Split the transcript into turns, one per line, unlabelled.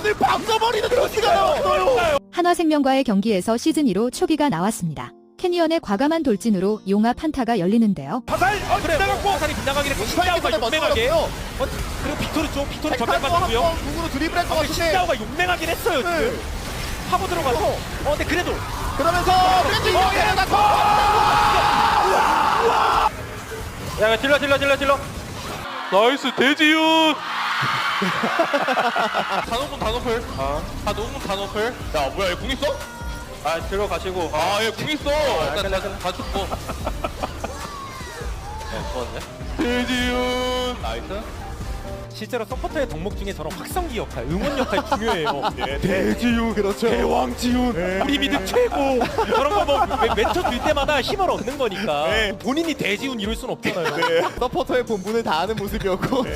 캐니언을 바꿔버리는 도시가 나왔어요.
한화생명과의 경기에서 시즌2로 초기가 나왔습니다. 캐니언의 과감한 돌진으로 용합 한타가 열리는데요.
화살! 그래, 화살이 빗나가긴 했고 신자오가 용맹하게 그리고 빅토르 쪽, 빅토르 전면 맞았고요.
궁으로 드리블할 것 같은데
신자오가 용맹하긴 했어요 지금. 파고 들어가서 근데 그래도
그러면서 렌즈 이동해 나서
야 질러
나이스 대지윤. 단오분 단오플. 다 녹으면 단오플. 야 뭐야 얘 궁 있어?
아 들어가시고
아얘 궁 있어. 일단 다 죽고.
좋았네.
대지윤. 나이스.
실제로 서포터의 덕목 중에 저런 확성기 역할, 응원 역할 중요해요.
대지유 그렇죠.
대왕지훈, 우리 미드 최고. 저런 거 외쳐줄 때마다 힘을 얻는 거니까. 본인이 대지훈 이룰 순 없잖아요.
서포터의 본분을 다하는 모습이었고